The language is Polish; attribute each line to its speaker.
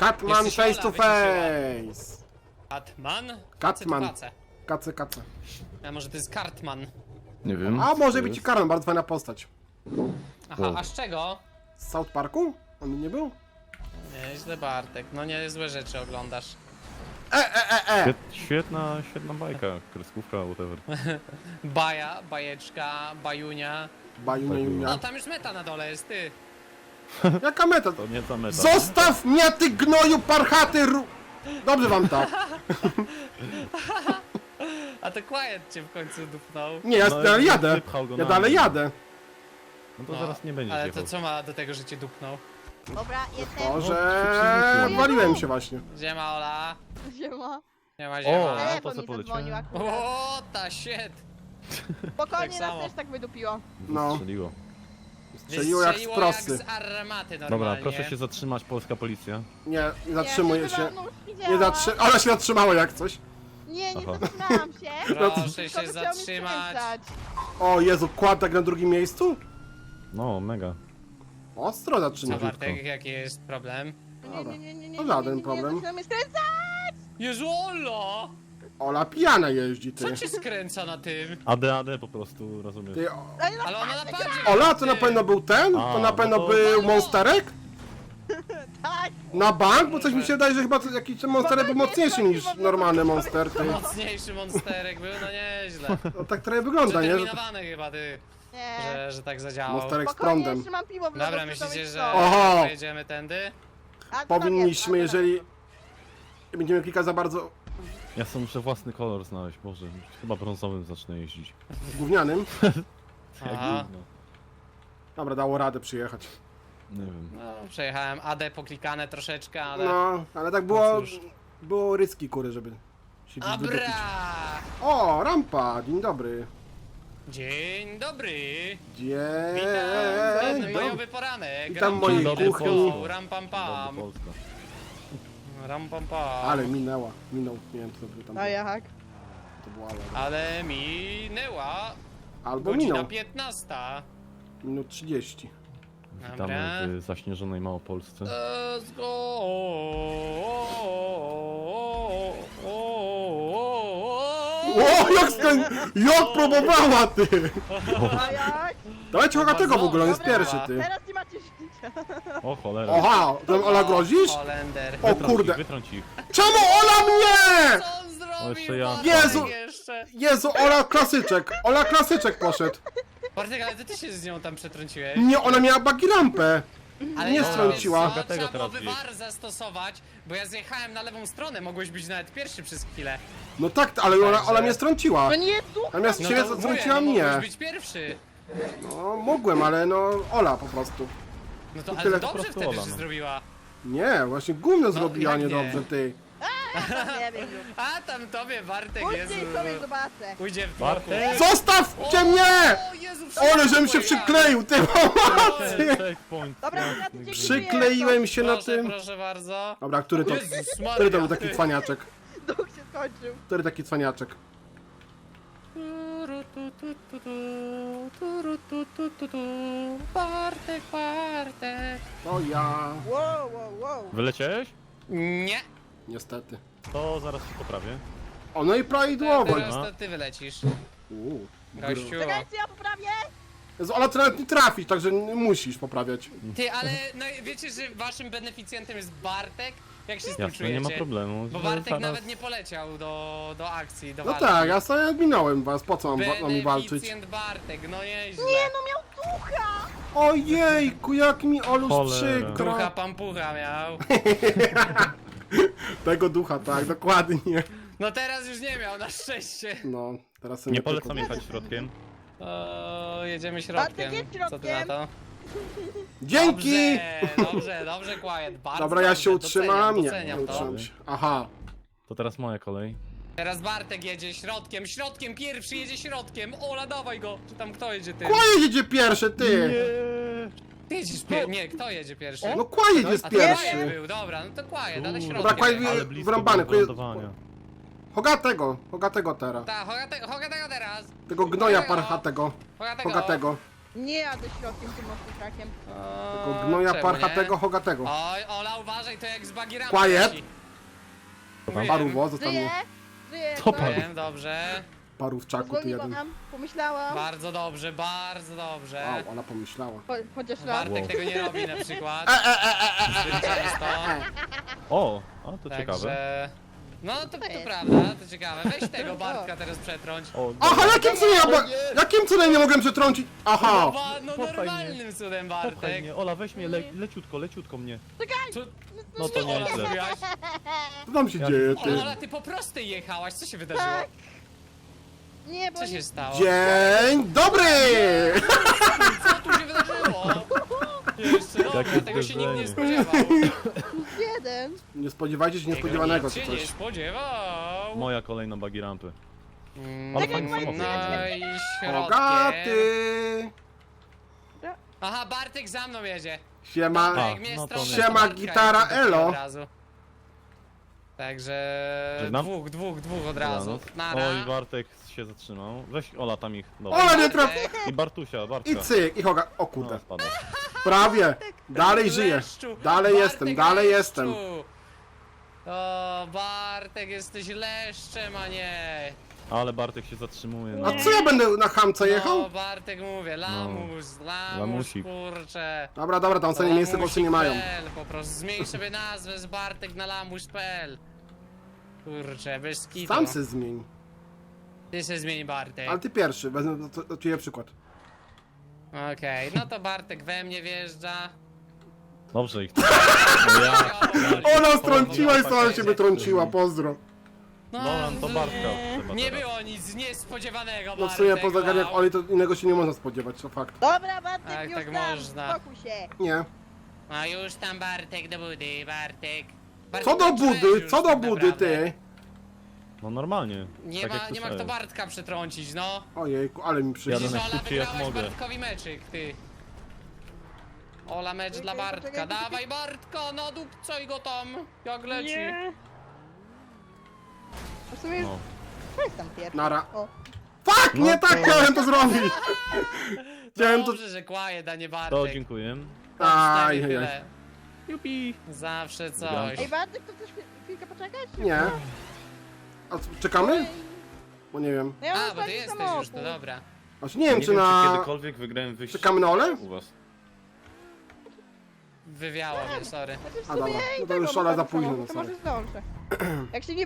Speaker 1: Catman
Speaker 2: Jesteś
Speaker 1: face to
Speaker 2: Ola,
Speaker 1: face!
Speaker 2: Catman?
Speaker 1: Catman.
Speaker 2: Kace.
Speaker 1: Kace.
Speaker 2: A może to jest Cartman?
Speaker 3: Nie wiem.
Speaker 1: A
Speaker 3: co
Speaker 1: może
Speaker 3: to
Speaker 1: być i
Speaker 3: jest.
Speaker 1: Karol, bardzo fajna postać.
Speaker 2: Aha,
Speaker 3: O.
Speaker 2: a z czego?
Speaker 1: Z South Parku? On nie był?
Speaker 2: Nieźle Bartek, no niezłe rzeczy oglądasz.
Speaker 3: Świetna bajka, kreskówka, whatever.
Speaker 2: Bajeczka, bajunia.
Speaker 1: Bajunia.
Speaker 2: No tam już meta na dole jest, ty.
Speaker 1: Jaka meta?
Speaker 3: To nie ta meta.
Speaker 1: Zostaw mnie, ty gnoju parchaty Dobrze wam tak.
Speaker 2: A to Quiet cię w końcu dupnął.
Speaker 1: Nie, ja
Speaker 3: No,
Speaker 1: dalej jadę.
Speaker 3: wypchał go
Speaker 1: Ja
Speaker 3: na
Speaker 1: dalej
Speaker 3: mnie.
Speaker 1: jadę.
Speaker 3: No to zaraz nie będzie
Speaker 2: Ale
Speaker 3: jechał.
Speaker 2: to co ma do tego, że cię dupnął?
Speaker 4: Dobra, jestem.
Speaker 1: To,
Speaker 3: No,
Speaker 1: że
Speaker 3: przyzwyczaiłem.
Speaker 1: waliłem się właśnie.
Speaker 2: Ziema Ola.
Speaker 4: Siema.
Speaker 2: Ziema,
Speaker 3: O,
Speaker 2: ziema.
Speaker 3: to
Speaker 4: Telefon
Speaker 3: co
Speaker 4: mi
Speaker 3: poleciałem?
Speaker 4: zadzwonił akurat.
Speaker 2: O, ta shit.
Speaker 4: Spokojnie,
Speaker 2: tak
Speaker 4: nas
Speaker 2: samo.
Speaker 4: też tak wydupiło.
Speaker 1: No.
Speaker 3: Strzeliło.
Speaker 1: Strzeliło jak z
Speaker 2: Wystrzeliło
Speaker 1: prosty.
Speaker 2: jak z armaty
Speaker 3: Dobra,
Speaker 2: normalnie.
Speaker 3: proszę się zatrzymać, polska policja.
Speaker 1: Nie zatrzymuję się.
Speaker 4: No już
Speaker 1: Nie
Speaker 4: widziałam.
Speaker 1: Ona się zatrzymała jak coś.
Speaker 4: Nie
Speaker 3: Aha.
Speaker 4: zatrzymałam się.
Speaker 2: Proszę
Speaker 4: Tylko
Speaker 2: się
Speaker 4: by chciał mnie
Speaker 2: zatrzymać.
Speaker 4: skręcać.
Speaker 1: O Jezu, kładek na drugim miejscu?
Speaker 3: No, mega.
Speaker 1: Ostro
Speaker 2: Co
Speaker 1: zaczyna.
Speaker 2: Bartek, jaki jest problem?
Speaker 1: Dobra.
Speaker 4: Nie,
Speaker 1: To żaden problem.
Speaker 4: zaczyna mnie skręcać.
Speaker 2: Jezu, Ola!
Speaker 1: Ola pijana jeździ, ty.
Speaker 2: Co cię skręca na tym?
Speaker 3: AD po prostu, rozumiesz?
Speaker 1: Ty
Speaker 2: Ale ona na padzie
Speaker 1: Ola, to na
Speaker 2: ty.
Speaker 1: pewno był ten? To na
Speaker 3: A,
Speaker 1: pewno
Speaker 3: no to-
Speaker 1: był
Speaker 2: No.
Speaker 1: monsterek?
Speaker 4: Tak.
Speaker 1: Na bank? Bo coś mi się wydaje, że chyba jakiś ten monsterek był mocniejszy niż normalny monster, ty.
Speaker 2: Mocniejszy monsterek był, no nieźle.
Speaker 1: No tak trochę wygląda, nie? Że
Speaker 2: Przeterminowany chyba ty,
Speaker 4: Nie.
Speaker 2: że tak zadziałał.
Speaker 1: monsterek z
Speaker 4: Spokojnie,
Speaker 1: prądem.
Speaker 4: jeszcze mam piwo w
Speaker 2: Dobra,
Speaker 4: lodówce,
Speaker 2: myślicie,
Speaker 4: to
Speaker 2: że
Speaker 4: jest to.
Speaker 1: Oho.
Speaker 2: jedziemy tędy?
Speaker 4: A co tam
Speaker 1: Powinniśmy,
Speaker 4: jest? A co tam
Speaker 1: jeżeli będziemy klikać za bardzo
Speaker 3: Ja sobie muszę własny kolor znaleźć, Boże. Chyba brązowym zacznę jeździć.
Speaker 1: gównianym.
Speaker 3: Jak
Speaker 2: Aha.
Speaker 3: gówno.
Speaker 1: Dobra, dało radę przyjechać.
Speaker 3: Nie wiem.
Speaker 2: No, przejechałem AD poklikane troszeczkę, ale...
Speaker 1: No, ale tak było,
Speaker 2: cóż.
Speaker 1: było ryski, kury, żeby się gdzieś wydupić.
Speaker 2: Abra!
Speaker 1: O, rampa, dzień dobry.
Speaker 2: Dzień dobry!
Speaker 1: Dzień
Speaker 2: Witam,
Speaker 1: dobry.
Speaker 2: majowy poranek.
Speaker 1: Witam
Speaker 2: Ram,
Speaker 1: mojej
Speaker 2: pam, let's
Speaker 1: kuchni.
Speaker 2: go, Ram pam pam.
Speaker 3: Dobry Polska.
Speaker 2: Ram pam pam.
Speaker 1: Ale minęła, minął, nie wiem co by tam
Speaker 4: A
Speaker 1: było.
Speaker 4: jak?
Speaker 1: To było ale.
Speaker 2: Ale minęła
Speaker 1: Albo
Speaker 2: godzina
Speaker 1: minął,
Speaker 2: 15.
Speaker 1: minut 30.
Speaker 2: Dobra.
Speaker 3: Witamy w zaśnieżonej Małopolsce.
Speaker 2: Let's go!
Speaker 1: O, jak próbowała, ty!
Speaker 4: A jak?
Speaker 1: Dawajcie Hogatego w ogóle, on jest
Speaker 2: Dobra.
Speaker 1: pierwszy, ty.
Speaker 4: Teraz nie macie życia.
Speaker 3: O cholera.
Speaker 1: Oha, to Ola grozisz?
Speaker 2: Holender.
Speaker 1: O kurde.
Speaker 3: Wytrąć ich.
Speaker 1: Czemu Ola mnie?
Speaker 2: Co on zrobił?
Speaker 3: jeszcze ja.
Speaker 2: Bartek
Speaker 1: Jezu!
Speaker 2: Jeszcze.
Speaker 1: Jezu, Ola klasyczek, Ola klasyczek poszedł.
Speaker 2: Bartek, ale ty się z nią tam przetrąciłeś.
Speaker 1: Nie, ona miała bagi lampę.
Speaker 2: Ale
Speaker 1: nie
Speaker 2: no,
Speaker 1: strąciła.
Speaker 2: wiesz co,
Speaker 3: Dlatego
Speaker 2: trzeba było
Speaker 3: teraz
Speaker 2: wywar zastosować, bo ja zjechałem na lewą stronę, mogłeś być nawet pierwszy przez chwilę.
Speaker 1: No tak, ale Ola mnie strąciła.
Speaker 4: To nie duch.
Speaker 1: Natomiast
Speaker 2: No
Speaker 1: ciebie
Speaker 2: to mówię,
Speaker 1: strąciła
Speaker 2: no
Speaker 1: mnie.
Speaker 2: mogłeś być pierwszy.
Speaker 1: No, mogłem, ale no, Ola po prostu.
Speaker 2: No to
Speaker 1: tyle.
Speaker 2: ale
Speaker 3: Po
Speaker 2: dobrze
Speaker 3: prostu
Speaker 2: wtedy,
Speaker 3: Ola,
Speaker 2: że
Speaker 3: no.
Speaker 2: zrobiła.
Speaker 1: Nie, właśnie gówno zrobiła
Speaker 2: jak nie?
Speaker 1: niedobrze, ty.
Speaker 4: Nie wiem już.
Speaker 2: A tam tobie, Bartek, Jezu.
Speaker 4: Później sobie zobaczę.
Speaker 2: Pójdzie w
Speaker 3: Bartek!
Speaker 1: Zostawcie mnie!
Speaker 2: O Jezu,
Speaker 1: Ole, żebym się przykleił, ty pomocy!
Speaker 3: Checkpoint.
Speaker 4: Dobra, ja tu dziękuję.
Speaker 1: Przykleiłem się na
Speaker 2: Proszę,
Speaker 1: tym.
Speaker 2: proszę bardzo.
Speaker 1: Dobra, który to?
Speaker 2: Jezus
Speaker 1: Który to był
Speaker 2: Maria,
Speaker 1: taki
Speaker 2: ty.
Speaker 1: cwaniaczek?
Speaker 4: Duch się skończył.
Speaker 1: Który taki cwaniaczek?
Speaker 2: Bartek, Bartek.
Speaker 1: To ja.
Speaker 4: Wow.
Speaker 3: Wyleciałeś?
Speaker 2: Nie,
Speaker 1: Niestety.
Speaker 3: To zaraz się poprawię.
Speaker 1: O, no i prawidłowo.
Speaker 2: teraz to ty wylecisz.
Speaker 1: Uuu.
Speaker 2: Gościu.
Speaker 4: Czekajcie, ja poprawię.
Speaker 1: Jezu, Ola, ty nawet nie trafisz, także musisz poprawiać.
Speaker 2: Ty, ale no wiecie, że waszym beneficjentem jest Bartek? Jak się z tym
Speaker 3: Jasne, nie
Speaker 2: czujecie?
Speaker 3: ma problemu.
Speaker 2: Bo
Speaker 3: że
Speaker 2: Bartek
Speaker 3: zaraz-
Speaker 2: nawet nie poleciał do akcji, do
Speaker 1: No
Speaker 2: walki.
Speaker 1: tak, ja sobie minąłem was, po co mam walczyć?
Speaker 2: Beneficjent Bartek, no nieźle.
Speaker 4: Nie, no miał ducha.
Speaker 1: Ojejku, jak mi Oluś
Speaker 3: Cholera.
Speaker 1: przykro.
Speaker 2: Ducha pampucha miał.
Speaker 1: Tego ducha, tak, dokładnie.
Speaker 2: No teraz już nie miał, na szczęście.
Speaker 1: No, teraz sobie
Speaker 3: Nie polecam jechać środkiem.
Speaker 2: O, jedziemy
Speaker 4: Bartek
Speaker 2: środkiem.
Speaker 4: jest
Speaker 2: Co ty na
Speaker 4: środkiem.
Speaker 2: to?
Speaker 1: Dzięki!
Speaker 2: Dobrze, Quiet, bardzo
Speaker 1: Dobra, ja
Speaker 2: dobrze,
Speaker 1: się utrzymam. Nie,
Speaker 2: doceniam
Speaker 1: nie
Speaker 2: to.
Speaker 1: utrzymam się. Aha.
Speaker 3: To teraz moja kolej.
Speaker 2: Teraz Bartek jedzie środkiem, pierwszy jedzie środkiem. Ola, dawaj go. Czy tam kto jedzie ty?
Speaker 1: Kłaje jedzie pierwszy, ty!
Speaker 2: Ty jedziesz pierwszy. Nie, kto jedzie pierwszy?
Speaker 1: No Kłaje jest
Speaker 2: A to Quiet
Speaker 1: pierwszy.
Speaker 2: był, dobra, no to Quiet, ale środkiem.
Speaker 1: Dobra, Quiet
Speaker 2: jechał.
Speaker 3: Ale blisko
Speaker 1: wrąbany,
Speaker 3: było lądowania.
Speaker 1: Hogatego teraz.
Speaker 2: Tak, Hogatego teraz.
Speaker 1: Tego gnoja parchatego.
Speaker 2: Hogatego.
Speaker 1: Hogatego.
Speaker 4: Nie jadę środkiem tym mocnym trakiem.
Speaker 1: Tego gnoja
Speaker 2: czemu
Speaker 1: parchatego,
Speaker 2: nie?
Speaker 1: hogatego.
Speaker 2: Oj, Ola, uważaj, to jak z bagierami.
Speaker 1: Quiet.
Speaker 2: leci.
Speaker 1: Paruwo, zostaw
Speaker 4: Żyję!
Speaker 1: mnie.
Speaker 4: Żyję!
Speaker 3: Co
Speaker 4: no.
Speaker 3: pan?
Speaker 2: Wiem, dobrze.
Speaker 1: Parówczaku ty jeden.
Speaker 4: Pozwoliłam, pomyślałam.
Speaker 2: Bardzo dobrze, bardzo dobrze.
Speaker 1: Wow, ona pomyślała.
Speaker 4: Chociaż raz.
Speaker 2: Bartek
Speaker 3: Wow.
Speaker 2: tego nie robi na przykład. Zbyt często.
Speaker 3: O, a to ciekawe.
Speaker 2: Także... No to
Speaker 4: jest?
Speaker 2: prawda, to ciekawe. Weź tego Bartka teraz przetrąć.
Speaker 3: O,
Speaker 1: Aha, jakim cudem jakim cudem nie mogłem przetrącić? Aha!
Speaker 2: No
Speaker 3: Popchaj
Speaker 2: normalnym cudem,
Speaker 3: popchaj
Speaker 2: Bartek.
Speaker 3: mnie, Ola, weź mnie leciutko mnie.
Speaker 2: Co,
Speaker 3: No to
Speaker 2: Ola
Speaker 3: nieźle.
Speaker 2: zrobiłaś?
Speaker 1: Co tam się dzieje, ty?
Speaker 2: Ola, ty po prostej jechałaś, co się wydarzyło?
Speaker 4: Tak. Nie, bo
Speaker 2: Co
Speaker 4: nie
Speaker 2: się stało?
Speaker 1: Dzień dobry!
Speaker 2: Co tu się wydarzyło? Jeszcze dobra,
Speaker 3: Jakie
Speaker 2: tego się nikt nie
Speaker 3: zderzenie.
Speaker 2: spodziewał.
Speaker 4: plus jeden.
Speaker 1: Nie spodziewajcie się niespodziewanego
Speaker 2: Nikt
Speaker 1: czy
Speaker 2: się nie
Speaker 1: coś.
Speaker 2: spodziewał.
Speaker 3: Moja kolejna buggy rampy.
Speaker 2: Mm,
Speaker 3: Ale fajny samochód.
Speaker 2: No i środkiem.
Speaker 1: Bogaty!
Speaker 2: Aha, Bartek za mną jedzie.
Speaker 1: Siema.
Speaker 3: A,
Speaker 2: Jak mnie
Speaker 3: no to
Speaker 2: strąca,
Speaker 3: nie.
Speaker 2: to
Speaker 1: Siema,
Speaker 2: Bartka
Speaker 1: gitara,
Speaker 2: jedzie taki
Speaker 1: elo.
Speaker 2: od razu. Także
Speaker 3: Żegnam.
Speaker 2: dwóch od razu. Nara.
Speaker 3: Oj, Bartek się zatrzymał. Weź Ola tam ich. Dobra.
Speaker 1: Ola nie traf...
Speaker 2: Bartek,
Speaker 3: I Bartusia, Bartka.
Speaker 1: I cyk, i hoga... O
Speaker 3: No,
Speaker 1: kurde.
Speaker 3: spada.
Speaker 1: Prawie. Dalej żyję.
Speaker 2: leszczu.
Speaker 1: Dalej
Speaker 2: Bartek
Speaker 1: jestem, dalej
Speaker 2: leszczu.
Speaker 1: jestem.
Speaker 2: O, Bartek, jesteś leszczem, a nie.
Speaker 3: Ale Bartek się zatrzymuje. No.
Speaker 1: A co ja będę na hamce
Speaker 2: No,
Speaker 1: jechał?
Speaker 2: Bartek mówię, lamus,
Speaker 3: Lamusik.
Speaker 2: kurczę.
Speaker 1: Dobra, tam sobie miejsce gorsze nie mają.
Speaker 2: Lamusik.pl, po prostu zmień sobie nazwę z Bartek na lamus.pl. Kurczę, bez kitu.
Speaker 1: Sam se zmień.
Speaker 2: Ty se zmień Bartek.
Speaker 1: Ale ty pierwszy, wezmę do ciebie przykład.
Speaker 2: Okej, no to Bartek we mnie wjeżdża.
Speaker 3: Dobrze ich. No ja.
Speaker 1: Ona strąciła i sama się wytrąciła, pozdro.
Speaker 3: Dobra, no to Bartka trzeba
Speaker 2: Nie
Speaker 3: teraz.
Speaker 2: było nic niespodziewanego,
Speaker 1: No w sumie
Speaker 2: Bartek,
Speaker 1: poza jak
Speaker 2: wow.
Speaker 1: Oli to innego się nie można spodziewać, to fakt.
Speaker 4: Dobra, Bartek,
Speaker 2: Tak,
Speaker 4: już
Speaker 2: tak
Speaker 4: tam.
Speaker 2: można.
Speaker 4: Spokój się.
Speaker 1: Nie.
Speaker 2: A już tam Bartek do budy, Bartek.
Speaker 1: Co do
Speaker 2: Bartek,
Speaker 1: budy,
Speaker 2: już
Speaker 1: co do
Speaker 2: tak
Speaker 1: budy,
Speaker 2: naprawdę.
Speaker 1: ty?
Speaker 3: No normalnie.
Speaker 2: Nie
Speaker 3: tak
Speaker 2: ma,
Speaker 3: jak
Speaker 2: nie ma kto
Speaker 3: słyszałem.
Speaker 2: Bartka przetrącić, no.
Speaker 1: Ojejku, ale mi
Speaker 3: Jadę
Speaker 1: przyjdzie.
Speaker 2: Widzisz, Ola,
Speaker 3: najszybciej jak
Speaker 2: wygrałaś
Speaker 3: mogę.
Speaker 2: Bartkowi meczyk, ty. Ola, mecz dla
Speaker 4: Czekaj,
Speaker 2: Bartka.
Speaker 4: poczekaj, poczekaj.
Speaker 2: Dawaj Bartka, no dupcoj go tam, jak leci.
Speaker 4: A w sumie
Speaker 3: No.
Speaker 4: to jest tam pierwszy.
Speaker 1: Nara.
Speaker 4: O.
Speaker 1: Fuck,
Speaker 3: No
Speaker 1: nie tak
Speaker 3: to-
Speaker 1: chciałem to zrobić! Chciałem to...
Speaker 2: Dobrze, że quiet, a nie
Speaker 3: To
Speaker 2: Bartek.
Speaker 3: dziękuję.
Speaker 1: Aj,
Speaker 2: Aj,
Speaker 1: aj.
Speaker 3: Jupi.
Speaker 2: Zawsze coś.
Speaker 4: Ej, Bartek, to chcesz chwilkę poczekać?
Speaker 1: Nie. A co, czekamy? Bo nie wiem.
Speaker 4: No ja mam
Speaker 2: A, bo ty
Speaker 4: fajny
Speaker 2: jesteś
Speaker 4: samochód.
Speaker 2: już, to dobra.
Speaker 1: Znaczy nie wiem,
Speaker 3: Nie
Speaker 1: czy
Speaker 3: wiem, czy
Speaker 1: na...
Speaker 3: kiedykolwiek wygrałem wyścig
Speaker 1: Czekamy na Olę?
Speaker 3: u was.
Speaker 2: Wywiało mnie, sorry.
Speaker 4: Znaczy w
Speaker 1: A,
Speaker 4: sumie
Speaker 1: dobra.
Speaker 4: ja i
Speaker 1: No to
Speaker 4: tak
Speaker 1: już
Speaker 4: mam
Speaker 1: Ola za
Speaker 4: fajny
Speaker 1: późno,
Speaker 4: samochód,
Speaker 1: no
Speaker 4: to może zdążę. Jak się nie